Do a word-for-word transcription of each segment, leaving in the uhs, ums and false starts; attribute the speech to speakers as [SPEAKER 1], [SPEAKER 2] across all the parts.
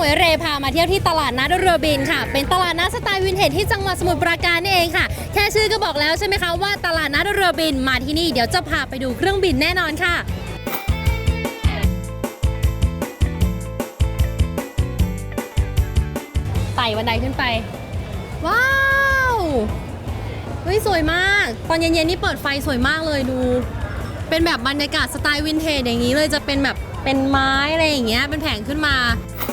[SPEAKER 1] วยเรพามาเที่ยวที่ตลาดนัดเรือบินค่ะเป็นตลาดนัดสไตล์วินเทจที่จังหวัดสมุทรปราการนี่เองค่ะแค่ชื่อก็บอกแล้วใช่ไหมคะว่าตลาดนัดเรือบินมาที่นี่เดี๋ยวจะพาไปดูเครื่องบินแน่นอนค่ะไต่บันไดขึ้นไปว้าวเฮ้ยสวยมากตอนเย็นๆนี่เปิดไฟสวยมากเลยดูเป็นแบบบรรยากาศสไตล์วินเทจอย่างนี้เลยจะเป็นแบบเป็นไม้อะไรอย่างเงี้ยเป็นแผงขึ้นมา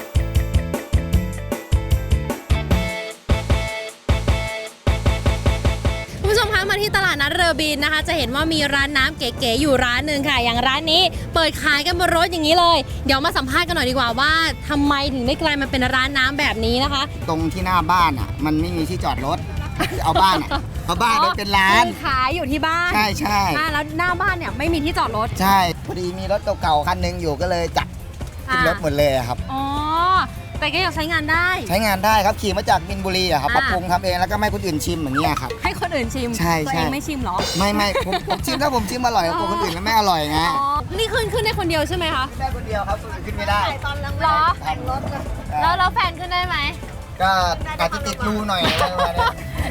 [SPEAKER 1] คุณผู้ชมคะมาที่ตลาดนัดเรือบินนะคะจะเห็นว่ามีร้านน้ำเก๋ๆอยู่ร้านหนึ่งค่ะอย่างร้านนี้เปิดขายกันบนรถอย่างนี้เลยเดี๋ยวมาสัมภาษณ์กันหน่อยดีกว่าว่าทำไมถึงได้กลายมาเป็นร้านน้ำแบบนี้นะคะ
[SPEAKER 2] ตรงที่หน้าบ้านอ่ะมันไม่มีที่จอดรถเอาบ้านอ่ะเอาบ้านไปเป็นร้าน
[SPEAKER 1] ขายอยู่ที่บ้าน
[SPEAKER 2] ใช่ใช่
[SPEAKER 1] แล้วหน้าบ้านเนี่ยไม่มีที่จอดรถ
[SPEAKER 2] ใช่พอดีมีรถเก่าๆคันนึงอยู่ก็เลยจับขึ้นรถหมดเลยครับ
[SPEAKER 1] อ๋อแต่ก็ยังใช้งานได้
[SPEAKER 2] ใช้งานได้ครับขี่มาจากมินบุรีอะครับปรับปรุงทำเองแล้วก็ไม่คนอื่นชิมอย่างเงี้ยครับ
[SPEAKER 1] ให้คนอื่นชิม
[SPEAKER 2] ใช่
[SPEAKER 1] ตัวเองไม่ชิมหรอ
[SPEAKER 2] ไม่ไม่ผมผมชิมถ้าผมชิมอร่อยแล้วคนอื่นแล้วไม่อร่อยไง
[SPEAKER 1] นี่ขึ้นขึ้นได้คนเดียวใช่ไหมคะ
[SPEAKER 2] ได้คนเดียวครับคนอื่นขึ้นไม่ได้
[SPEAKER 1] ตอนหรอแล้วแล้วแฟนขึ้นได้ไหม
[SPEAKER 2] ก็อาจจะติดรูหน่อยอะไรประมาณนี้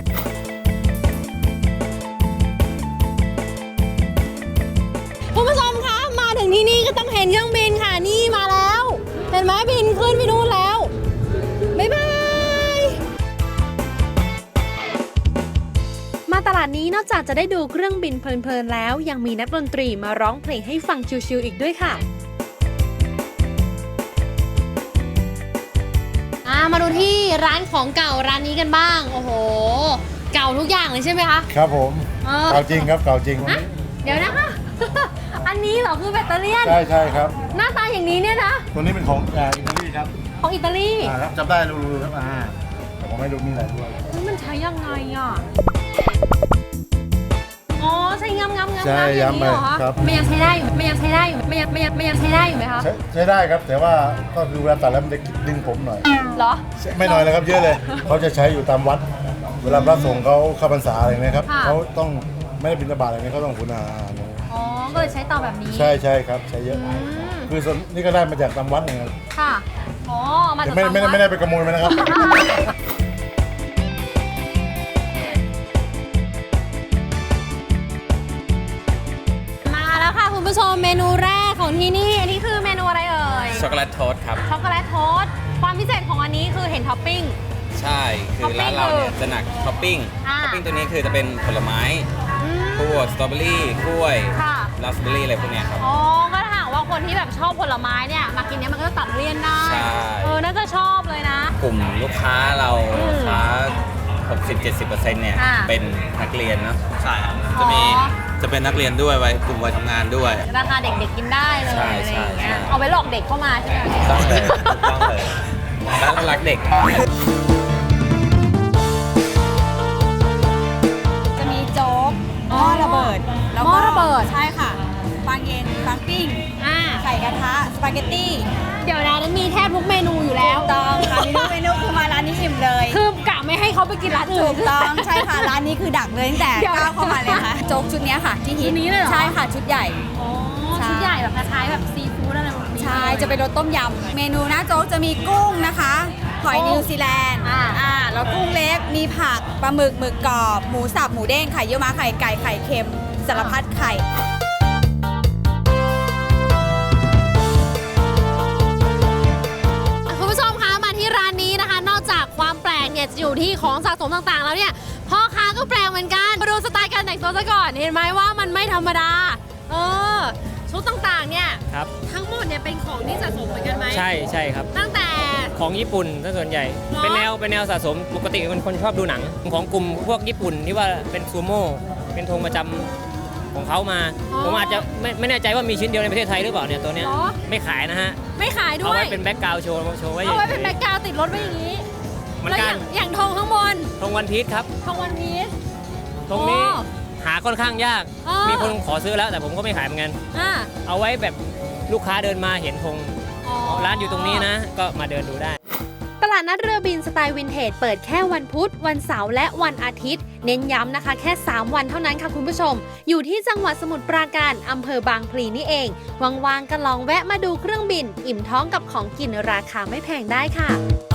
[SPEAKER 1] คุณผู้ชมคะมาถึงที่นี่ก็ต้องเห็นเครื่องบินค่ะนี่มาแล้วเห็นไหมบินขึ้นไปนู่นแล้วบ๊ายบายมาตลาดนี้นอกจากจะได้ดูเครื่องบินเพลินๆแล้วยังมีนักดนตรีมาร้องเพลงให้ฟังชิลๆอีกด้วยค่ะมาดูที่ร้านของเก่าร้านนี้กันบ้างโอ้โหเก่าทุกอย่างเลยใช่ไหมคะ
[SPEAKER 3] ครับผมเก่าจริงครับเก่าจริง
[SPEAKER 1] เดี๋ยวนะคะอันนี้เหรอคือแบตเตอรี่
[SPEAKER 3] ใช่ใช่ครับ
[SPEAKER 1] หน้าตาอย่างนี้เนี่ยนะ
[SPEAKER 3] ตัวนี้เป็นของอิตาลีครับ
[SPEAKER 1] ของอิตาลี
[SPEAKER 3] ครับจำได้รู้ๆครับอ่าแต่ผมไม่รู้มีอะไรด้วย
[SPEAKER 1] มันใช้ยังไงอ่ะอ๋อใช้งำงำงำ
[SPEAKER 3] ใช่ย้ำไป
[SPEAKER 1] ครับไม่ยังใช้ได้อยู่ไม่ยังใช้ได้อยู่ไม่ยังไม่ยังไม่ยังใช้ได้อยู่ไหมคะ
[SPEAKER 3] ใช้ได้ครับแต่ว่าก็คือเวลาตัดแล้วมันจะดึงผมหน่อย
[SPEAKER 1] เหรอ
[SPEAKER 3] ไม่น้อยเลยครับเยอะเลยเขาจะใช้อยู่ตามวัดเวลาพระสงฆ์เขาเข้าพรรษาอะไรเงี้ยครับเขาต้องไม่ได้บิณฑบาตอะไรเงี้ยเขาต้องหุณาหาร
[SPEAKER 1] อ๋อก็เลยใช้เตาแบบนี้
[SPEAKER 3] ใช่ใช่ครับใช้เยอะคือส่วนนี่ก็ได้มาจากตามวัดเนี่ย
[SPEAKER 1] ค่ะอ๋อมาจาก
[SPEAKER 3] ไม่ไม่ไม่ได้ไปขโมยมานะครับ
[SPEAKER 1] มาแล้วค่ะคุณผู้ชมเมนูแรกของที่นี่อันนี้คือเมนูอะไรเอ่ย
[SPEAKER 4] ช็อกโกแลตโทสต์ครับ
[SPEAKER 1] ช็อกโกแลตโทสต์ความพิเศษของอันนี้คือเห็นท็อปปิ้ง
[SPEAKER 4] ใช่คือร้านเราเนี่ยจะหนักท็อปปิ้งท็อปปิ้งตัวนี้คือจะเป็นผลไม้พวกสตรอเบอรี่กล้วยราสเบอรี่อะไรพวกนี้ครับ
[SPEAKER 1] อ๋อก็ถ้าหากว่าคนที่แบบชอบผลไม้เนี่ยมากินเนี้ยมันก็จะตัดเลี่ยนได้
[SPEAKER 4] ใช่
[SPEAKER 1] เออน่าจะชอบเลยนะ
[SPEAKER 4] กลุ่มลูกค้าเราลูกค้า หกสิบถึงเจ็ดสิบเปอร์เซ็นต์ เนี่ยเป็นนักเรียนเนาะใช่ครับจะมีจะเป็นนักเรียนด้วยวัยกลุ่มวัยทำงานด้วย
[SPEAKER 1] ราคาเด็กๆกินได้เลยอะไรอย่างเงี้ยเอาไว้หลอกเด็กเข้ามาใช่ไหม
[SPEAKER 4] ต้องเลยต้องเลยร้านรักเด็ก
[SPEAKER 5] จะมีโจ๊กหม้อระเบิด
[SPEAKER 1] แล้วก็ระเบิด
[SPEAKER 5] ใช่ค่ะปังเย็นปังปิ้งไข่กระทะสปาเกตตี้
[SPEAKER 1] เดี๋ยวร้านนั้นมีแทบทุกเมนูอยู่แล้ว
[SPEAKER 5] ต้องค่ะมีทุกเมนูคือมาร้านนี้อิ่มเลย
[SPEAKER 1] คือกะไม่ให้เขาไปกินร้านอื่น
[SPEAKER 5] ต้องใช่ค่ะร้านนี้คือดักเลยตั้งแต่ก้าวเข้ามาเลยค่ะโจ๊กชุดนี้ค่ะที่ฮิต
[SPEAKER 1] นี้เลยเหรอ
[SPEAKER 5] ใช่ค่ะชุดใหญ่
[SPEAKER 1] อ๋อชุดใหญ่แบบคล้ายๆแบบซีฟู้ดอะไรแบบนี้
[SPEAKER 5] ใช่จะเป็นรสต้มยำเมนูหน้าโจ๊กจะมีกุ้งนะคะหอยนิวซีแลนด์อ่าแล้วกุ้งเล็กมีผักปลาหมึกหมึกกรอบหมูสับหมูเด้งไข่เยี่ยวม้าไข่ไก่ไข่เค็มสารพัดไข่
[SPEAKER 1] คุณผู้ชมคะมาที่ร้านนี้นะคะนอกจากความแปลกเนี่ยจะอยู่ที่ของสะสมต่างๆแล้วเนี่ยพ่อค้าก็แปลกเหมือนกันมาดูสไตล์การแต่งตัวซะก่อนเห็นไหมว่ามันไม่ธรรมดาเออชุดต่างๆเนี่ย
[SPEAKER 6] ครับ
[SPEAKER 1] ทั้งหมดเนี่ยเป็นของที่สะสมเหมือนกันไหม
[SPEAKER 6] ใช่ใช่ครับ
[SPEAKER 1] ตั้งแต่
[SPEAKER 6] ของญี่ปุ่นซะส่วนใหญ่เป็นแนวเป็นแนวสะสมปกติเป็นคนชอบดูหนังของกลุ่มพวกญี่ปุ่นที่ว่าเป็นซูโม่เป็นธงประจำของเขามาผมอาจจะไม่ไม่แน่ใจว่ามีชิ้นเดียวในประเทศไทยหรือเปล่าเนี่ยตัวเนี้ยไม่ขายนะฮะ
[SPEAKER 1] ไม่ขายด้วย
[SPEAKER 6] เอาไว้เป็นแบ็คกราวด์โชว์โชว์ไว้
[SPEAKER 1] เอาไว้เป็นแบ็คกราวด์ติดรถไว้อย่างนี้
[SPEAKER 6] มันกัน
[SPEAKER 1] อย่างธงข้างบน
[SPEAKER 6] ธงวันพีชครับ
[SPEAKER 1] ธงวันพีช
[SPEAKER 6] ตรงนี้หาค่อนข้างยากมีคนขอซื้อแล้วแต่ผมก็ไม่ขายเหมือนกันเอาไว้แบบลูกค้าเดินมาเห็นธงร้านอยู่ตรงนี้นะก็มาเดินดูได้
[SPEAKER 1] ตลาดนัดเรือบินสไตล์วินเทจเปิดแค่วันพุธวันเสาร์และวันอาทิตย์เน้นย้ำนะคะแค่สามวันเท่านั้นค่ะคุณผู้ชมอยู่ที่จังหวัดสมุทรปราการอำเภอบางพลีนี่เองว่างๆก็ลองแวะมาดูเครื่องบินอิ่มท้องกับของกินราคาไม่แพงได้ค่ะ